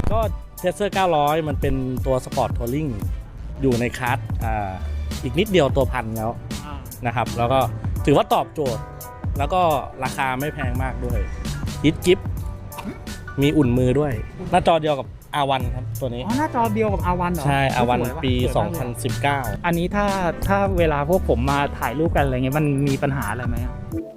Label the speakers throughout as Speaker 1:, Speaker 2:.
Speaker 1: ก็เทสเซอร์900มันเป็นตัวสปอร์ตทัวริงอยู่ในคลาสอีกนิดเดียวตัวพันแล้วนะครับแล้วก็ถือว่าตอบโจทย์แล้วก็ราคาไม่แพงมากด้วยฮิตกิฟมีอุ่นมือด้วยหน้าจอเดียวกับ R1 ครับตัวนี้
Speaker 2: หน้าจอเดียวกับ R1 เหรอ
Speaker 1: ใช่ R1 ปี 2019
Speaker 2: อันนี้ถ้าเวลาพวกผมมาถ่ายรูปกันอะไรเงี้ยมันมีปัญหาอะไรไหม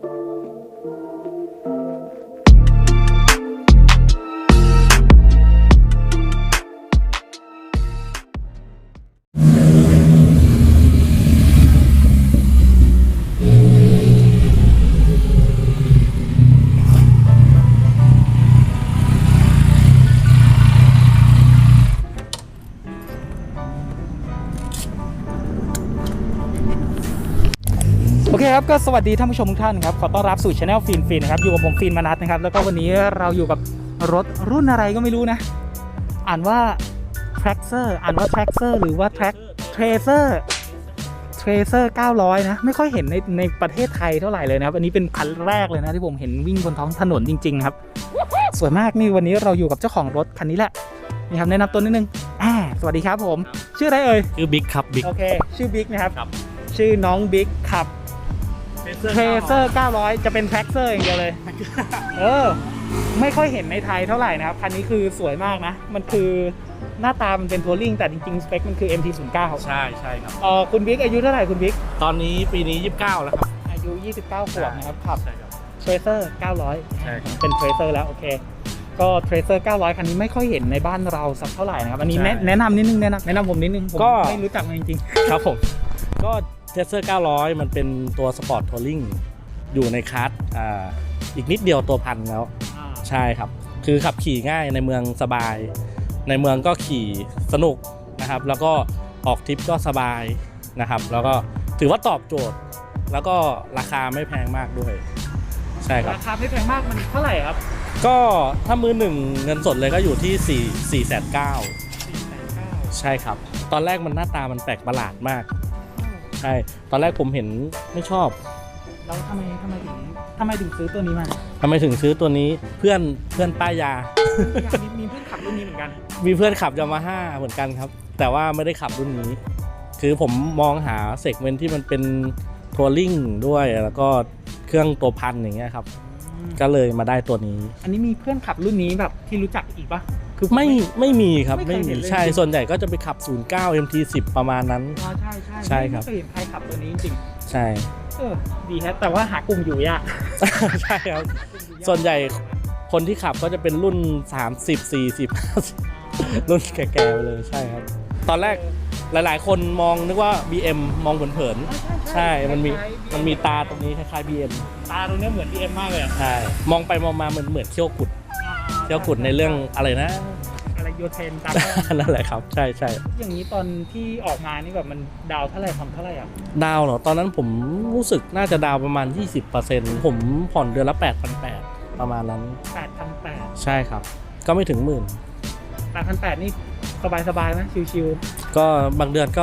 Speaker 2: โอเคครับก็สวัสดีท่านผู้ชมทุกท่านครับขอต้อนรับสู่ช anel ฟินนะครับอยู่กับผมฟินมนัสนะครับแล้วก็วันนี้เราอยู่กับรถรุ่นอะไรก็ไม่รู้นะอ่านว่า Traxxer หรือว่า Tracer 900นะไม่ค่อยเห็นในประเทศไทยเท่าไหร่เลยนะครับอันนี้เป็นคันแรกเลยนะที่ผมเห็นวิ่งบนท้องถนนจริงๆครับสวยมากนี่วันนี้เราอยู่กับเจ้าของรถคันนี้แหละนี่ครับแนะนำตัวนิดนึงสวัสดีครับผมชื่ออะไรเอ่ย
Speaker 1: ชื่อบิ๊กครับบิ๊ก
Speaker 2: โอเคชื่อบิ๊กนะครับชื่อน้องบิ๊กขับTracer 900จะเป็น Traxxer อย่างเดียวเลยไม่ค่อยเห็นในไทยเท่าไหร่นะครับคันนี้คือสวยมากนะมันคือหน้าตามันเป็นทัวริงแต่จริงๆสเปคมันคือ MT-09
Speaker 1: ใช่ครับ
Speaker 2: คุณบิ๊กอายุเท่าไหร่คุณบิ๊ก
Speaker 1: ตอนนี้ปีนี้29แล้วครับ
Speaker 2: อายุ29ขวบนะครับขับ Tracer 900
Speaker 1: ใช่
Speaker 2: เป็น Tracer แล้วโอเคก็ Tracer 900คันนี้ไม่ค่อยเห็นในบ้านเราสักเท่าไหร่นะครับอันนี้แนะนำนิดนึงแนะนำผมนิดนึงผมไม่รู้จักมันจริง
Speaker 1: ๆครับผมก็เทสเซอร์900มันเป็นตัวสปอร์ตทัวริงอยู่ในคลาสอีกนิดเดียวตัวพันแล้วใช่ครับคือขับขี่ง่ายในเมืองสบายในเมืองก็ขี่สนุกนะครับแล้วก็ออกทริปก็สบายนะครับแล้วก็ถือว่าตอบโจทย์แล้วก็ราคาไม่แพงมากด้วยใช่ครับ
Speaker 2: ราคาไม่แพงมากมันเท่าไหร่ครับ
Speaker 1: ก็ถ้ามือหนึ่งเงินสดเลยก็อยู่ที่4,900,000ใช่ครับตอนแรกมันหน้าตามันแปลกประหลาดมากใช่ตอนแรกผมเห็นไม่ชอบ
Speaker 2: แล้วทำไมถึงซื้อตัวนี้มา
Speaker 1: ทำไมถึงซื้อตัวนี้เพื่อนป้ายา
Speaker 2: มีเพื่อนขับรุ่นนี้เหมือนกัน
Speaker 1: มีเพื่อนขับยามาฮ่าเหมือนกันครับแต่ว่าไม่ได้ขับรุ่นนี้คือผมมองหาเซกเมนต์ที่มันเป็นทัวริงด้วยแล้วก็เครื่องตัวพันอย่างเงี้ยครับก็เลยมาได้ตัวนี้
Speaker 2: อันนี้มีเพื่อนขับรุ่นนี้แบบที่รู้จักอีกปะ
Speaker 1: คือไม่มีครับไม่มีใช่ส่วนใหญ่ก็จะไปขับ09 MT10 ประมาณนั้น
Speaker 2: ใช่
Speaker 1: ครับ
Speaker 2: ไม่เคยเห็นใครขับตัวนี้จริง
Speaker 1: ใช่
Speaker 2: ดีฮะแต่ว่าหากลุ่มอยู่ยาก
Speaker 1: ใช่ครับส่วนใหญ่คนที่ขับก็จะเป็นรุ่น30 40 50รุ่นแก่ๆไปเลยใช่ครับตอนแรกหลายๆคนมองนึกว่า BM มองเผินๆใช่มันมีตาตรงนี้คล้ายๆ BM
Speaker 2: ตาตรงนี้เหมือน BM มากเลย
Speaker 1: ใช่มองไปมองมาเหมือนเขี้ยวกุดในเรื่องอะไรนะ
Speaker 2: อะไรโยเทนตาม
Speaker 1: นั่นแหละครับใช่
Speaker 2: อย่างนี้ตอนที่ออกมานี่แบบมันดาวเท่าไหร่ทำเท่าไหร่อ่ะ
Speaker 1: ดาวเหรอตอนนั้นผมรู้สึกน่าจะดาวประมาณ 20% ผมผ่อนเดือนละ 8,800 ประมาณนั้น
Speaker 2: 8,800
Speaker 1: ใช่ครับก็ไม่ถึง
Speaker 2: 8,800 นี่สบายไหมชิว
Speaker 1: ๆก็บางเดือนก็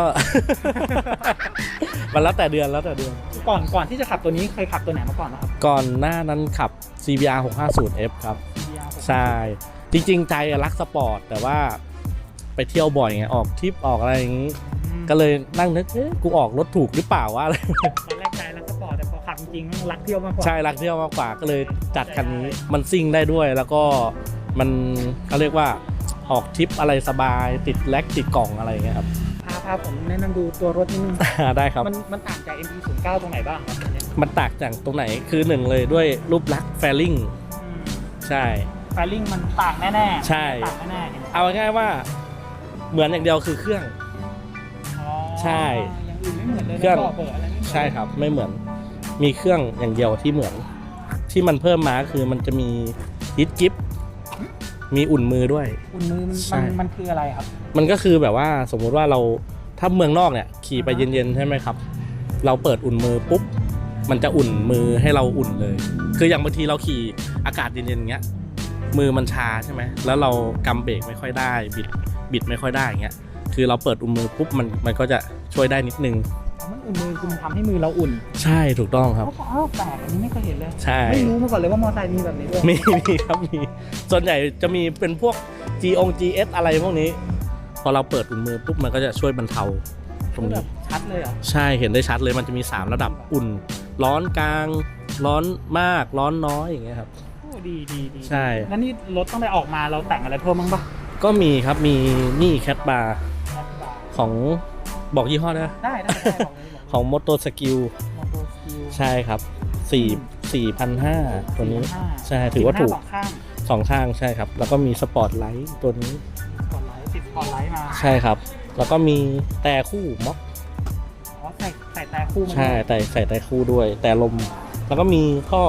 Speaker 1: มันแล้วแต่เดือน
Speaker 2: ก่อนที่จะขับตัวนี้เคยขับตัวไหนมาก่อนครับ
Speaker 1: ก่อนหน้านั้นขับ CBR 650F ครับใช่จริงๆใจรักสปอร์ตแต่ว่าไปเที่ยวบ่อยไงออกทริปออกอะไรอย่างนี้ก็เลยนั่งนึกกูออกรถถูกหรือเปล่าวะอะไร
Speaker 2: ตอนแรกใจรักสปอร์ตแต่พอขับจริงๆรักเที่ยวมากกว่า
Speaker 1: ใช่รักเที่ยวมากกว่าก็เลยจัดคันนี้มันซิ่งได้ด้วยแล้วก็มันเขาเรียกว่าออกทริปอะไรสบายติดแล็กติดกล่องอะไรอย่างเงี้ยครับ
Speaker 2: พาผมแนะนำดูตัวรถนิดนึง
Speaker 1: ได้ครับ
Speaker 2: มันต่างจาก MT-09 ตรงไหนบ้างครับ
Speaker 1: มันต่างจากตรงไหนคือหนึ่งเลยด้วยรูปลักษณ์แฟลิ่งใช่
Speaker 2: แฟลิ่งมันต่างแน่ๆ
Speaker 1: ใช่เอาง่ายๆว่าเหมือนอย่างเดียวคือเครื่องใช่
Speaker 2: อย่างอื่นไม่เหมือนเลย
Speaker 1: เครื่องใช่ครับไม่เหมือนมีเครื่องอย่างเดียวที่เหมือนที่มันเพิ่มมาคือมันจะมีฮิตกิฟมีอุ่นมือด้วย
Speaker 2: อุ่นมือมันคืออะไรครับ
Speaker 1: มันก็คือแบบว่าสมมุติว่าเราถ้าเมืองนอกเนี่ยขี่ไปเย็นๆใช่ไหมครับเราเปิดอุ่นมือปุ๊บมันจะอุ่นมือให้เราอุ่นเลยคืออย่างบางทีเราขี่อากาศเย็นๆอย่างเงี้ยมือมันชาใช่ไหมแล้วเรากำเบรกไม่ค่อยได้บิดไม่ค่อยได้อย่างเงี้ยคือเราเปิดอุ่นมือปุ๊บมันก็จะช่วยได้นิดนึง
Speaker 2: มันอุ่นมือคือมันทำให้มือเราอุ่น
Speaker 1: ใช่ถูกต้องครับ
Speaker 2: แปลกอันนี้ไม่เคยเห็นเลย
Speaker 1: ใช่
Speaker 2: ไม่รู้มาก่อนเลยว่ามอเตอร์ไซค์มีแบบนี้ด้วย
Speaker 1: มีครับมีส่วนใหญ่จะมีเป็นพวก GS อะไรพวกนี้ พอเราเปิดอุ่นมือปุ๊บมันก็จะช่วยบรรเทาตรง
Speaker 2: แบ
Speaker 1: นี้
Speaker 2: บชัดเลยเหรอ
Speaker 1: ใช่เห็นได้ชัดเลยมันจะมี3ระดับอุ่น ร้อนกลาง ร้อนมากร้อนน้อยอย่างเงี้ยครับ
Speaker 2: โอ้ดีดีดี
Speaker 1: ใช่
Speaker 2: แล้วนี่รถตั้งแต่ออกมาเราแต่งอะไรเพิ่มบ้างปะ
Speaker 1: ก็มีครับมีนี่แคทบาร์ของบอกยี่ห้อได้ไหม
Speaker 2: ได้ได้ได้บอกเลย
Speaker 1: ของ Moto Skill
Speaker 2: มอเตอร์สกิล
Speaker 1: ใช่ครับ4,500ตัวนี้ ใช่ถือว่าถูก
Speaker 2: สองข้าง
Speaker 1: 2 ข้างใช่ครับ แล้วก็มีสปอร์ตไลท์ตัวนี้
Speaker 2: สปอร์ตไลท์ติดสปอร์ตไลท์มา
Speaker 1: ใช่ครับ แล้วก็มีแต่คู่ม็อก
Speaker 2: อ๋อใส่แต่คู่มา
Speaker 1: ใช่แต่ใส่แต่คู่ด้วย แต่ลม แล้วก็มี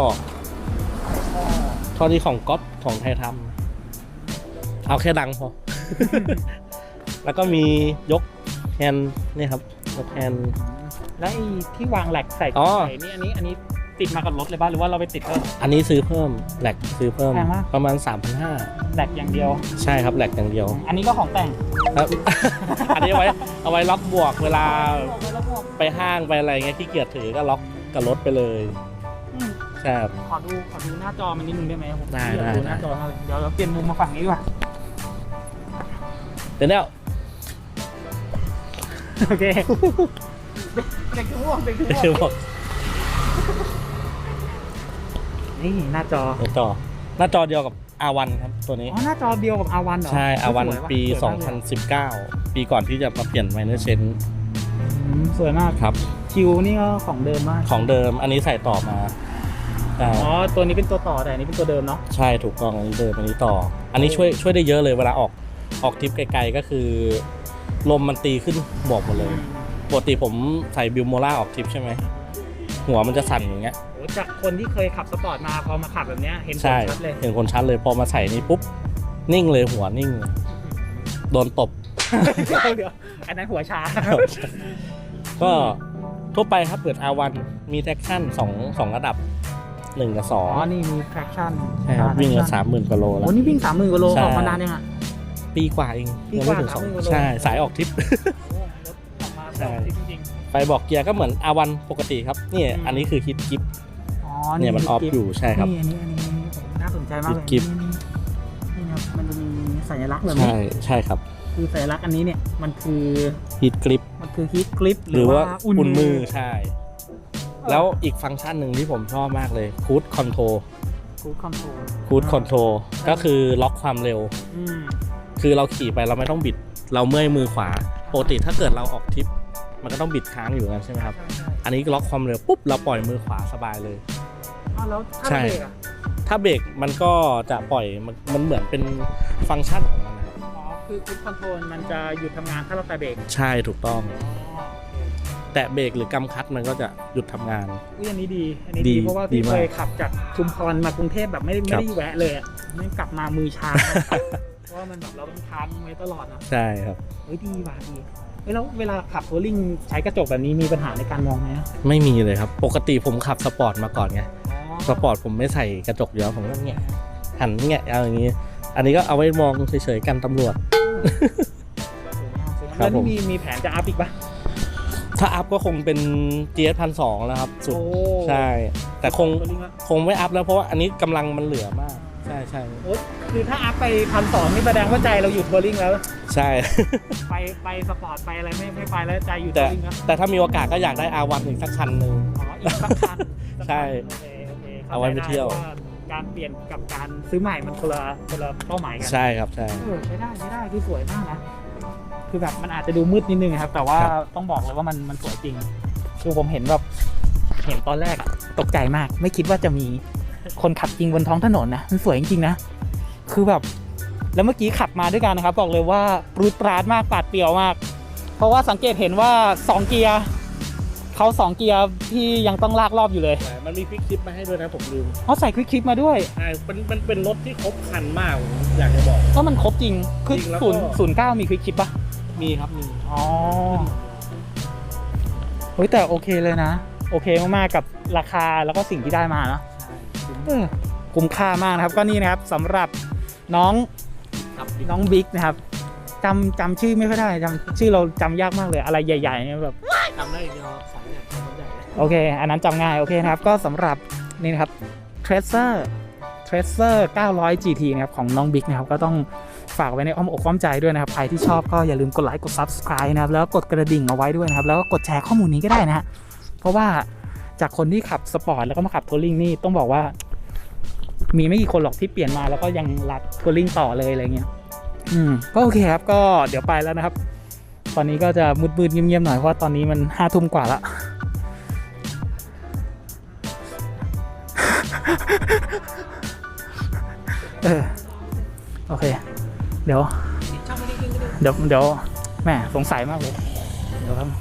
Speaker 1: ท่อที่ของก๊อตของไทยทำเอาแค่ดังพอ แล้วก็มียกแฮนด์นี่ครับยกแฮนด์
Speaker 2: แล้วไอ้ที่วางแหลกใส่
Speaker 1: อ๋อ
Speaker 2: ใส่นี่อันนี้ติดมากับรถเลยป่ะหรือว่าเราไปติดเพิ่ม
Speaker 1: อันนี้ซื้อเพิ่มแหลกซื้อเพิ่ม
Speaker 2: แพงมาก
Speaker 1: ประมาณ 3,500
Speaker 2: แหลกอย่างเดียว
Speaker 1: ใช่ครับแหลกอย่างเดียว
Speaker 2: อันนี้ก็ของแต่ง
Speaker 1: ครับ อันนี้เอาไว้ล็อกบวกเวลาไปห้างไปอะไรเงี้ยที่เกียจถือก็ล็อกกับรถไปเลย
Speaker 2: อืม
Speaker 1: ใช่ครับ
Speaker 2: ขอดูหน้าจอมันนิดนึงได้ไหมผม
Speaker 1: ได้
Speaker 2: อยากดูหน้าจอมากเลยเดี๋ยวเราเปลี่ยนมุมมาฝั่งนี้ดีกว่า
Speaker 1: เดี๋ยวเนี่ย
Speaker 2: โอเคเด็กคือม่วงเด็กคือม่วง
Speaker 1: คือบอก
Speaker 2: นี่หน้าจอ
Speaker 1: หน้าจอเดียวกับ R1 ครับตัวนี้
Speaker 2: อ๋อหน้าจอเดียวกับ R1 เหรอ
Speaker 1: ใช่ R1
Speaker 2: สวยะ
Speaker 1: ปี
Speaker 2: สวยมากเลย
Speaker 1: 2019 ปีก่อนที่จะมาเปลี่ยน Minor Change
Speaker 2: สวยมาก
Speaker 1: ครับ
Speaker 2: คิวนี่ก็ของเดิมมาก
Speaker 1: ของเดิมอันนี้ใส่ต่อมาใช่
Speaker 2: อ๋อตัวนี้เป็นตัวต่อแต่อันนี้เป็นตัวเดิมเนาะ
Speaker 1: ใช่ถูกต้องอันนี้เดิมอันนี้ต่อ อันนี้ช่วยได้เยอะเลยเวลาออกทริปไกลๆก็คือ ลมมันตีขึ้นบวกหมดเลย ปกติผมใส่บิวโมล่าออกทริปใช่ไหมหัวมันจะสั่นอย่างเงี้ย
Speaker 2: โอ้จากคนที่เคยขับสปอร์ตมาพอมาขับแบบเนี้ยเห็นผล
Speaker 1: ใช่
Speaker 2: ชัดเลย
Speaker 1: เห็นคนชัดเลยพอมาใส่นี่ปุ๊บนิ่งเลยหัวนิ่งเลยโดนตบ
Speaker 2: เดี๋ยวอันนั้นหัวชา
Speaker 1: ก็ทั่วไปครับเปิด R1 มีแท็กชั่น2ระดับ1กับ
Speaker 2: อ๋อ
Speaker 1: 2
Speaker 2: นี่มี traction
Speaker 1: ใช่ครับวิ่งละ30,000กว่าโลแล้ว
Speaker 2: โอ้นี่วิ่ง30,000กว่าโล
Speaker 1: ใช่
Speaker 2: ออกมานานยังอ่ะ
Speaker 1: ปีกว่าเอง
Speaker 2: ปี
Speaker 1: ยัง
Speaker 2: กว่า
Speaker 1: ไม่ถึง
Speaker 2: 30,000กว่าโล
Speaker 1: ใช่สายออกทริป
Speaker 2: โอ้รถออกมา
Speaker 1: ใช่
Speaker 2: จริง
Speaker 1: ไฟบอกเกียร์ก็เหมือน R1 ปกติครับนี่อันนี้คือฮิตกิฟ
Speaker 2: ๆอ๋อ
Speaker 1: เนี่ยมันออฟอยู่ใช่ครับ
Speaker 2: นี่อันนี้ผมน่าสนใจมากเลย
Speaker 1: กิ๊บ
Speaker 2: นี่ครับมันจะมีสัญลักษณ์แบบนี้
Speaker 1: ใช่ครับ
Speaker 2: คือสัญลักษณ์อันนี้เนี่ยมันคือ
Speaker 1: ฮิตกริป
Speaker 2: ฮีทกริป
Speaker 1: หรือว่า
Speaker 2: อุ่น
Speaker 1: อุ่นมื
Speaker 2: มื
Speaker 1: อ
Speaker 2: อ
Speaker 1: ใช่ แล้วอีกฟังก์ชันหนึ่งที่ผมชอบมากเลยคูดคอนโทร
Speaker 2: คูดคอนโทรล
Speaker 1: คูดคอนโทรก็คือล็อกความเร็ว
Speaker 2: อืม
Speaker 1: คือเราขี่ไปเราไม่ต้องบิด เราเมื่อยมือขวาปกติถ้าเกิดเราออกทริป มันก็ต้องบิดค้างอยู่กันใช่ไหมครับ
Speaker 2: ใช่ใช่
Speaker 1: อันนี้ล็อกความเร็วปุ๊บเราปล่อยมือขวาสบายเลย
Speaker 2: อ้าวแล้วถ้า
Speaker 1: ใช่
Speaker 2: เบรกอ่ะ
Speaker 1: ถ้าเบรกมันก็จะปล่อยมันเหมือนเป็นฟังก์ชันของมันนะครับ
Speaker 2: อ๋อคือคูดคอนโทรลมันจะหยุดทำงานถ้าเราแตะเบรก
Speaker 1: ใช่ถูกต้อง
Speaker 2: อ๋อ
Speaker 1: แตะเบรกหรือกำคลัตช์มันก็จะหยุดทำงาน
Speaker 2: อุ้ยอันนี้ดีอันนี้
Speaker 1: ดี
Speaker 2: ดีเพราะว่า
Speaker 1: ดี
Speaker 2: พี่
Speaker 1: มาก
Speaker 2: เคยขับจากชุมพรมากรุงเทพแบบไม่
Speaker 1: ครับ
Speaker 2: ได้แวะเลยอ่ะไม่กลับมามือชา เพราะว่ามันแบบเราต้องค้างไว้ตลอดนะ
Speaker 1: ใช่ครับ
Speaker 2: เฮ้ยดีว่ะดีเฮ้ยแล้วเวลาขับทัวริงใช้กระจกแบบนี้มีปัญหาในการมองไหมอะ
Speaker 1: ไม่มีเลยครับ ปกติผมขับสปอร์ตมาก่อนไง
Speaker 2: อ๋อ
Speaker 1: สปอร์ตผมไม่ใส่กระจกเยอะผมก็เงี้ยหันเงี้ยเอาอย่างนี้ อันนี้ก็เอาไว้มองเฉยๆกันตำรวจ ครั
Speaker 2: แล้
Speaker 1: บ
Speaker 2: ว
Speaker 1: ผม
Speaker 2: นี่มีแผนจะอัพอีกปะ
Speaker 1: ถ้าอัพก็คงเป็น GS 1,200แล้วครับสุด
Speaker 2: โอ้
Speaker 1: ใช่ แต่คง
Speaker 2: ทัวริงละ
Speaker 1: ไม่อัพแล้วเพราะว่าอันนี้กำลังมันเหลือมาก ใช่ใช่
Speaker 2: โอ้คือถ้าอัพไป1,200นี่แสดงว่าใจเราอยู่ทัวริงแล้ว
Speaker 1: ใช่
Speaker 2: ไปสปอร์ตไปอะไรไม่ไปแล้วใจอยู่ทั
Speaker 1: แต่
Speaker 2: วริงแล้ว
Speaker 1: แต่ถ้ามีโอกาสก็อยากได้ R1 อีกสักคันหนึ่ง
Speaker 2: อ๋ออีกสักคัน
Speaker 1: ใช่
Speaker 2: โอเค
Speaker 1: เอาไว้ไปเที่ยว
Speaker 2: ข้าใจได้การเปลี่ยนกับการซื้อใหม่มันคนละเป้าหมายกัน
Speaker 1: ใช่ครับใช่
Speaker 2: ใช้ได้คือสวยมากนะคือแบบมันอาจจะดูมืดนิดนึงนะครับ แต่ว่า
Speaker 1: ครับ
Speaker 2: ต้องบอกเลยว่ามันสวยจริงคือผมเห็นแบบเห็นตอนแรกอะตกใจมาก ไม่คิดว่าจะมีคนขับจริงบนท้องถนนนะมันสวยจริงๆนะคือแบบแล้วเมื่อกี้ขับมาด้วยกันนะครับ บอกเลยว่าปรูดปราดมากปาดเปรียวมาก เพราะว่าสังเกตเห็นว่า2เกียร์เขา2เกียร์ที่ยังต้องลากรอบอยู่เลย
Speaker 1: ใช่มันมีควิกคลิปมาให้ด้วยนะผมลืม
Speaker 2: เขาใส่ควิกคลิปมาด้วย
Speaker 1: ใช่มันเป็นรถที่ครบครันมากผมอยากจะบอก
Speaker 2: ก็มันครบจริงคือ
Speaker 1: จริงแล้วก็
Speaker 2: 009มีควิกคลิปปะ
Speaker 1: มีครับมี
Speaker 2: อ๋อเฮ้ยแต่โอเคเลยนะ โอเคมากๆกับราคาแล้วก็สิ่งที่ได้มาเนอะคุ้มค่ามากนะครับก็นี่นะครับสำหรับน้อง
Speaker 1: ครับ
Speaker 2: น้องบิ๊กนะครับจำชื่อไม่ค่อยได้จำชื่อเราจำยากมากเลยอะไรใหญ่ๆเนี่ยแบบ
Speaker 1: จำได้อีกแล้วสายเนี่ยจำไม่ได้เลย
Speaker 2: โอเค อันนั้นจำง่ายโอเคนะครับก็สำหรับนี่นะครับ Tracer 900 GT นะครับของน้องบิ๊กนะครับก็ต้องฝากไว้ในอ้อมอกอ้อมใจด้วยนะครับใครที่ชอบก็อย่าลืมกดไลค์กด Subscribe นะครับแล้วกดกระดิ่งเอาไว้ด้วยนะครับแล้วก็กดแชร์ข้อมูลนี้ก็ได้นะฮะเพราะว่าจากคนที่ขับสปอร์ตแล้วก็มาขับทัวริงนี่ต้องบอกว่ามีไม่กี่คนหรอกที่เปลี่ยนมาแล้วก็ยังรักทัวริงต่อเลยอะไรเงี้ยก็โอเคครับก็เดี๋ยวไปแล้วนะครับตอนนี้ก็จะมืดๆเงียบๆหน่อยเพราะว่าตอนนี้มัน5 ทุ่มกว่าละโอเคเดี๋ยวแหมสงสัยมากเลยเดี๋ยวครับ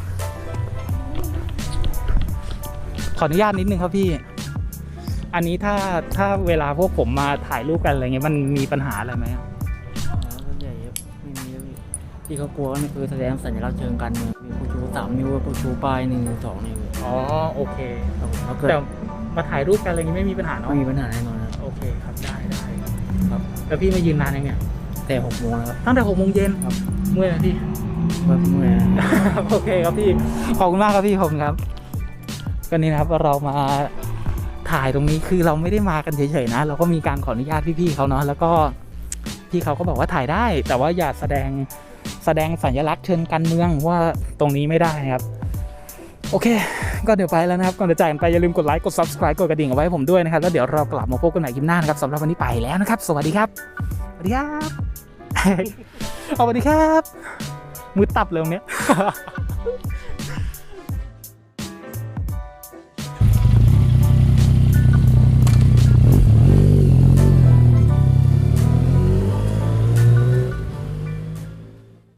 Speaker 2: ขออนุญาตนิดนึงครับพี่อันนี้ถ้าเวลาพวกผมมาถ่ายรูปกันอะไรเงี้ยมันมีปัญหาอะไรไหม
Speaker 3: ส่วนใหญ่ไม่มีที่เขากลัวนี่คือแสดงสัญลักษณ์เชิงการเมืองมีผู้ชู3 นิ้วผู้ชูป้าย1 นิ้ว 2 นิ้ว
Speaker 2: อ๋อโอเค
Speaker 3: ครับผมแล้วเกิด
Speaker 2: แต่มาถ่ายรูปกันอะไรเงี้ยไม่มีปัญหาเนาะ
Speaker 3: ไม่มีปัญหาแน่นอนครับ
Speaker 2: โอเคครับได้ครับแล้วพี่มายืนนานยังเนี่ย
Speaker 3: แต่6 โมงแล้วครับ
Speaker 2: ตั้งแต่6 โมงเย็น
Speaker 3: ครับ
Speaker 2: เมื่อยไหมพี่
Speaker 3: เมื่อย
Speaker 2: โอเคครับพี่ขอบคุณมากครับพี่ผมครับก็นี่นะครับเรามาถ่ายตรงนี้คือเราไม่ได้มากันเฉยๆนะเราก็มีการขออนุญาตพี่ๆเขาเนาะแล้วก็พี่เขาก็บอกว่าถ่ายได้แต่ว่าอย่าแสดงสัญลักษณ์เชิงการเมืองว่าตรงนี้ไม่ได้ครับโอเคก็เดี๋ยวไปแล้วนะครับก่อนจะจากกันไปอย่าลืมกดไลค์กด Subscribe กดกระดิ่งเอาไว้ให้ผมด้วยนะครับแล้วเดี๋ยวเรากลับมาพบกันใหม่คลิปหน้านะครับสำหรับวันนี้ไปแล้วนะครับสวัสดีครับสวัสดีครับสวัสดีครับมือตับเลยตรงเนี้ย